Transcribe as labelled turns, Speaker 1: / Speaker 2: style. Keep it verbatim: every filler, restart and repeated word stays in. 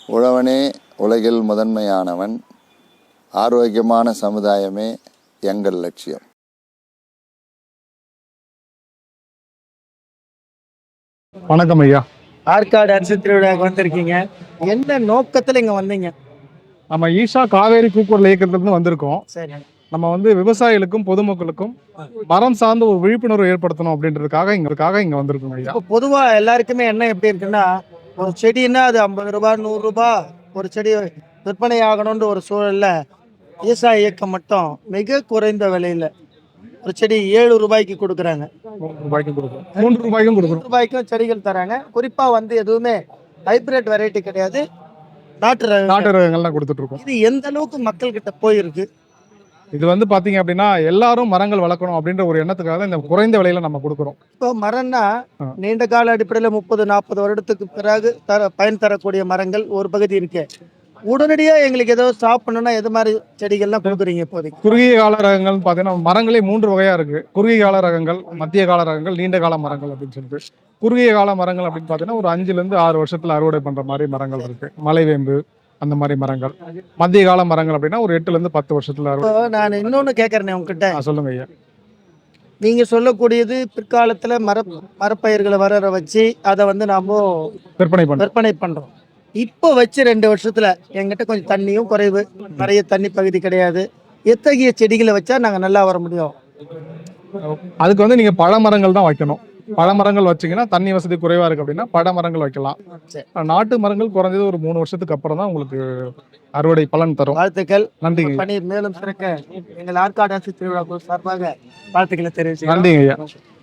Speaker 1: உழவனே உலகில் முதன்மையானவன். ஆரோக்கியமான சமுதாயமே எங்கள் லட்சியம்.
Speaker 2: வணக்கம் ஐயா.
Speaker 3: ஆற்காடு அரிசி திருவிழாவுக்கு வந்திருக்கீங்க, என்ன நோக்கத்துல இங்க வந்தீங்க?
Speaker 2: நம்ம ஈஷா காவேரி கூக்குரல் இயக்கத்திலிருந்து வந்திருக்கோம்.
Speaker 3: சரி,
Speaker 2: நம்ம வந்து விவசாயிகளுக்கும் பொதுமக்களுக்கும் மரம் சார்ந்த ஒரு விழிப்புணர்வு ஏற்படுத்தணும் அப்படின்றதுக்காக இங்கக்காக இங்க வந்திருக்கோம் ஐயா.
Speaker 3: இப்போ பொதுவா எல்லாருக்குமே என்ன எப்படி இருக்குன்னா, ஒரு செடின்னா அது ஐம்பது ரூபாய் நூறு ரூபாய் ஒரு செடி விற்பனை ஆகணும்ன்ற ஒரு சூழல்ல ஈசா இயக்கம் மட்டும் மிக குறைந்த விலையில ஒரு செடி ஏழு ரூபாய்க்கு கொடுக்குறாங்க.
Speaker 2: மூன்று ரூபாய்க்கும் கொடுக்குறோம், மூன்று ரூபாய்க்கும் கொடுக்குறோம்.
Speaker 3: ரூபாய்க்கும் செடிகள் தராங்க. குறிப்பா வந்து எதுவுமே ஹைபிரிட் வெரைட்டி கிடையாது, நாட்டு ரக
Speaker 2: நாட்டு ரகங்கள்லாம் கொடுத்துட்டு இருக்கோம்.
Speaker 3: இது எந்த அளவுக்கு மக்கள் கிட்ட போயிருக்கு?
Speaker 2: இது வந்து பாத்தீங்க அப்படின்னா எல்லாரும் மரங்கள் வளர்க்கணும் அப்படின்ற ஒரு எண்ணத்துக்காக இந்த குறைந்த விலையில நம்ம கொடுக்குறோம்.
Speaker 3: இப்போ மரம்னா
Speaker 2: ஆ.
Speaker 3: நீண்ட கால அடிப்படையில் முப்பது நாற்பது வருடத்துக்கு பிறகு தர பயன் தரக்கூடிய மரங்கள் ஒரு பகுதி இருக்கு. உடனடியா எங்களுக்கு ஏதோ ஸ்டாப் பண்ணணும்னா எது மாதிரி செடிகள்லாம் கொடுக்குறீங்க இப்போதைக்கு?
Speaker 2: குறுகிய கால ரகங்கள் பாத்தீங்கன்னா மரங்களே மூன்று வகையா இருக்கு. குறுகிய கால ரகங்கள், மத்திய கால ரகங்கள், நீண்ட கால மரங்கள் அப்படின்னு சொல்லிட்டு. குறுகிய கால மரங்கள் அப்படின்னு பாத்தீங்கன்னா ஒரு அஞ்சுல இருந்து ஆறு வருஷத்துல அறுவடை பண்ற மாதிரி மரங்கள் இருக்கு. மலைவேம்பு அந்த மாதிரி மரங்கள். மத்திய கால மரங்கள் அப்படின்னா ஒரு எட்டுல இருந்து பத்து வருஷத்துல அறுவடை.
Speaker 3: இப்போ நான் இன்னொன்னு கேட்கறேன் உங்ககிட்ட,
Speaker 2: ஆ, சொல்லுங்க ஐயா.
Speaker 3: நீங்க சொல்லக்கூடியது பிற்காலத்துல மர மரப்பயிர்களை வர வச்சு அதை வந்து நாம
Speaker 2: விற்பனை பண்றோம்.
Speaker 3: விற்பனை பண்றோம். இப்போ வச்சு ரெண்டு வருஷத்துல எங்கிட்ட கொஞ்சம் தண்ணியும் குறைவு, நிறைய தண்ணி பகுதி கிடையாது, எத்தகைய செடிகளை வச்சா நாங்க நல்லா வர முடியும்?
Speaker 2: அதுக்கு வந்து நீங்க பழ மரங்கள் தான் வைக்கணும். பழ மரங்கள் வச்சீங்கன்னா தண்ணி வசதி குறைவா இருக்கு அப்படின்னா பழ மரங்கள் வைக்கலாம்.
Speaker 3: சரி.
Speaker 2: நாட்டு மரங்கள் குறைஞ்சது ஒரு மூணு வருஷத்துக்கு அப்புறம் தான் உங்களுக்கு அறுவடை பலன் தரும்.
Speaker 3: வாழ்த்துக்கள்.
Speaker 2: நன்றிங்க.
Speaker 3: பணி மேலும் சிறக்க எங்கள் ஆற்காடு அரசு திருவிழா சார்பாக வாழ்த்துக்களை தெரிவிச்சு
Speaker 2: நன்றிங்க ஐயா.